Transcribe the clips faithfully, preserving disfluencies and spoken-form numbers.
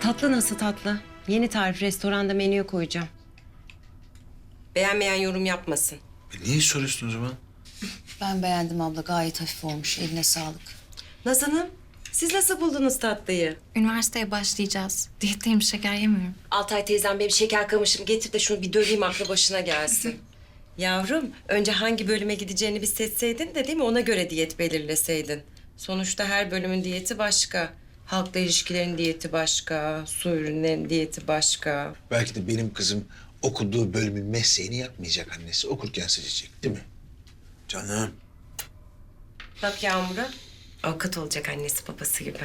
Tatlı nasıl tatlı? Yeni tarif, restoranda menüye koyacağım. Beğenmeyen yorum yapmasın. E niye soruyorsun o zaman? Ben beğendim abla. Gayet hafif olmuş. Eline sağlık. Naz Hanım, siz nasıl buldunuz tatlıyı? Üniversiteye başlayacağız. Diyetteyim, şeker yemiyorum. Altay teyzem benim şeker kamışım getir de şunu bir döveyim aklı başına gelsin. Yavrum, önce hangi bölüme gideceğini bir seçseydin de değil mi? Ona göre diyet belirleseydin. Sonuçta her bölümün diyeti başka. Halkla ilişkilerin diyeti başka, su ürünlerin diyeti başka. Belki de benim kızım okuduğu bölümün mesleğini yapmayacak annesi. Okurken seçecek değil mi? Canım. Bak Yağmur'a, avukat olacak annesi babası gibi.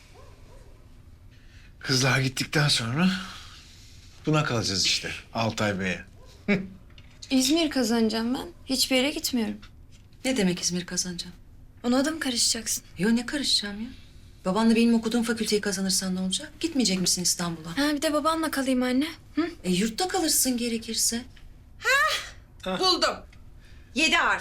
Kızlar gittikten sonra buna kalacağız işte Altay Bey'e. İzmir kazanacağım ben. Hiçbir yere gitmiyorum. Ne demek İzmir kazanacağım? Ona da mı karışacaksın? Yo ne karışacağım ya? Babanla benim okuduğum fakülteyi kazanırsan ne olacak? Gitmeyecek misin İstanbul'a? Ha bir de babanla kalayım anne. Hı? E yurtta kalırsın gerekirse. Buldum. Yedi harf.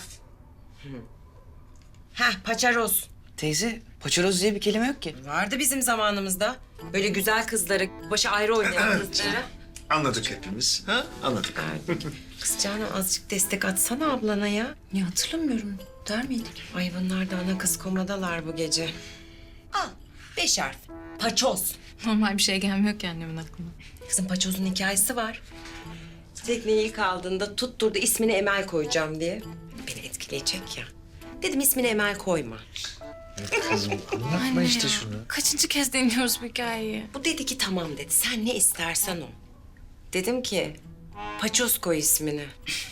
Heh, paçaroz. Teyze, paçaroz diye bir kelime yok ki. Vardı bizim zamanımızda. Böyle güzel kızları, başı ayrı oynayan kızları. Anladık hepimiz. Ha? Anladık. Verdik. Kız Canan azıcık destek atsana ablana ya. Ya hatırlamıyorum. Der miydik? Ay bunlar da ana kız komadalar bu gece. Al, beş harf. Paçoz. Normal bir şey gelmiyor ki annemin aklına. Kızım paçozun hikayesi var. Tekneyi ilk aldığında tutturdu ismini Emel koyacağım diye. Beni etkileyecek ya. Dedim ismini Emel koyma. Kızım anlatma işte şunu. Kaçıncı kez deniyoruz bu hikayeyi? Bu dedi ki tamam dedi. Sen ne istersen o. Dedim ki paçoz koy ismini.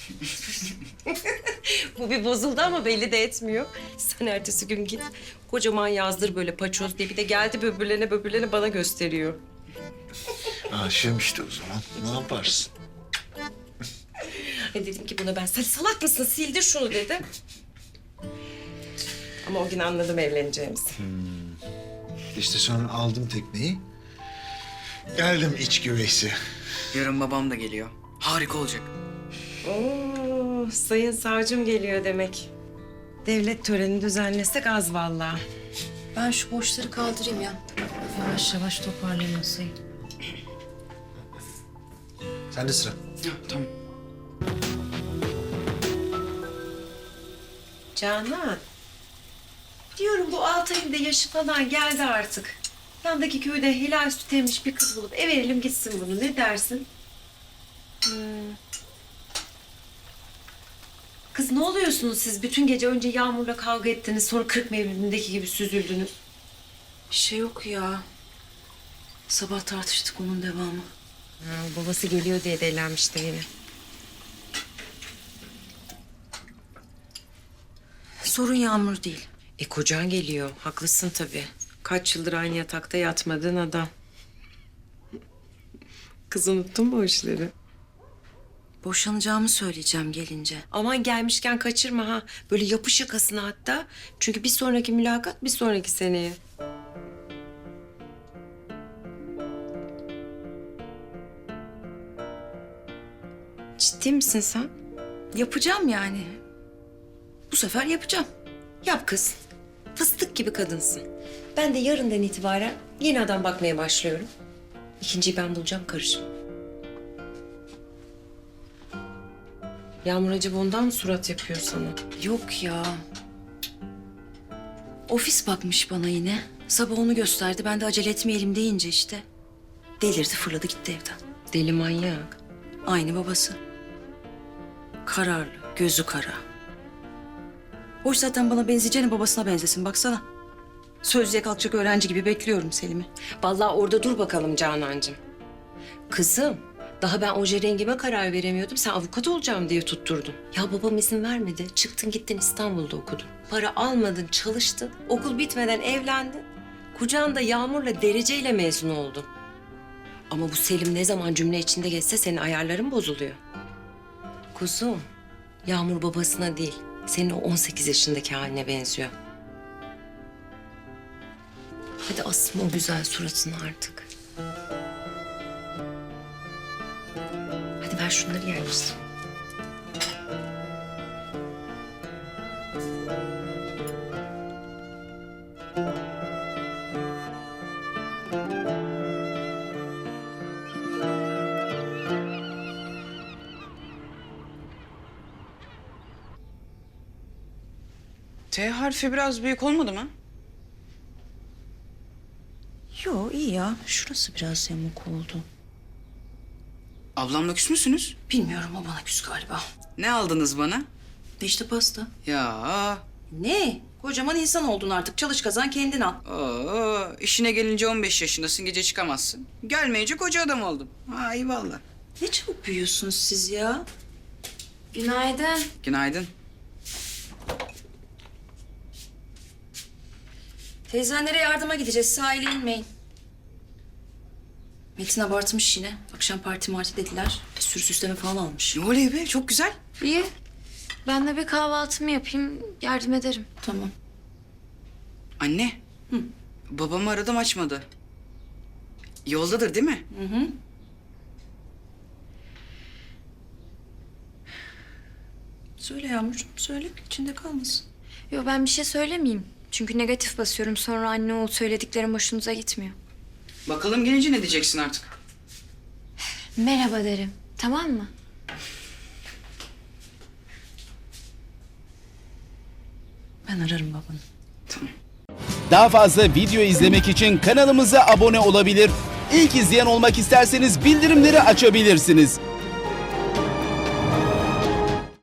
Bu bir bozuldu ama belli de etmiyor. Sen ertesi gün git kocaman yazdır böyle paçoz diye. Bir de geldi böbürlene böbürlene bana gösteriyor. Aşığım işte o zaman. Ne yaparsın? E dedim ki buna ben sen salak mısın sildir şunu dedim. Ama o gün anladım evleneceğimizi. İşte sonra aldım tekneyi. Geldim iç güveysi. Yarın babam da geliyor. Harika olacak. Oo, sayın savcım geliyor demek. Devlet töreni düzenlesek az vallahi. Ben şu boşları kaldırayım ya. Yavaş yavaş toparlayayım masayı. Sen de sıra. Ha, tamam. Canan. Diyorum bu Altay'ın da yaşı falan geldi artık. Yandaki köyde helal süt emmiş bir kız bulup ev verelim gitsin bunu. Ne dersin? Hmm. Kız ne oluyorsunuz siz? Bütün gece önce Yağmur'la kavga ettiniz. Sonra kırk mevlidindeki gibi süzüldünüz. Bir şey yok ya. Sabah tartıştık onun devamı. Ha, babası geliyor diye delenmiştir yine. Sorun Yağmur değil. E kocan geliyor. Haklısın tabii. Kaç yıldır aynı yatakta yatmadığın adam. Kız unuttun mu o işleri? Boşanacağımı söyleyeceğim gelince. Aman gelmişken kaçırma ha. Böyle yapış yakasına hatta. Çünkü bir sonraki mülakat bir sonraki seneye. Ciddi misin sen? Yapacağım yani. Bu sefer yapacağım. Yap kız. Fıstık gibi kadınsın. Ben de yarından itibaren yeni adam bakmaya başlıyorum. İkinciyi ben bulacağım karışım. Yağmur acaba ondan mı surat yapıyor sana? Yok ya. Ofis bakmış bana yine. Sabah onu gösterdi. Ben de acele etmeyelim deyince işte. Delirdi fırladı gitti evden. Deli manyak. Aynı babası. Kararlı, gözü kara. Hoş zaten bana benzeyeceğine babasına benzesin baksana. Sözlüğe kalkacak öğrenci gibi bekliyorum Selim'i. Vallahi orada dur bakalım Canancığım. Kızım, daha ben oje rengime karar veremiyordum. Sen avukat olacağım diye tutturdun. Ya babam izin vermedi. Çıktın gittin İstanbul'da okudun. Para almadın, çalıştın. Okul bitmeden evlendin. Kucağında Yağmur'la dereceyle mezun oldun. Ama bu Selim ne zaman cümle içinde geçse senin ayarların bozuluyor. Kuzum, Yağmur babasına değil, senin o on sekiz yaşındaki haline benziyor. Hadi asma o güzel suratını artık. Hadi ver şunları yerleştir. T harfi biraz büyük olmadı mı? Yo iyi ya. Şurası biraz yamuk oldu. Ablamla küs müsünüz? Bilmiyorum o bana küs galiba. Ne aldınız bana? İşte pasta. Ya. Ne? Kocaman insan oldun artık. Çalış kazan kendin al. Oo, işine gelince on beş yaşındasın, gece çıkamazsın. Gelmeyince koca adam oldum. Ha eyvallah. Ne çabuk büyüyorsunuz siz ya. Günaydın. Günaydın. Teyzenlere yardıma gideceğiz. Sahile inmeyin. Metin abartmış yine. Akşam parti marti dediler. Bir sürü süsleme falan almış. Ne oluyor be? Çok güzel. İyi. Ben de bir kahvaltımı yapayım, yardım ederim. Tamam. Anne. Hı. Babamı aradım açmadı. Yoldadır değil mi? Hı hı. Söyle Yağmurcuğum, söyle. İçinde kalmasın. Yo ben bir şey söylemeyeyim. Çünkü negatif basıyorum. Sonra anne oğul söylediklerim hoşunuza gitmiyor. Bakalım gelince ne diyeceksin artık? Merhaba derim. Tamam mı? Ben ararım babanı. Tamam. Daha fazla video izlemek için kanalımıza abone olabilir. İlk izleyen olmak isterseniz bildirimleri açabilirsiniz.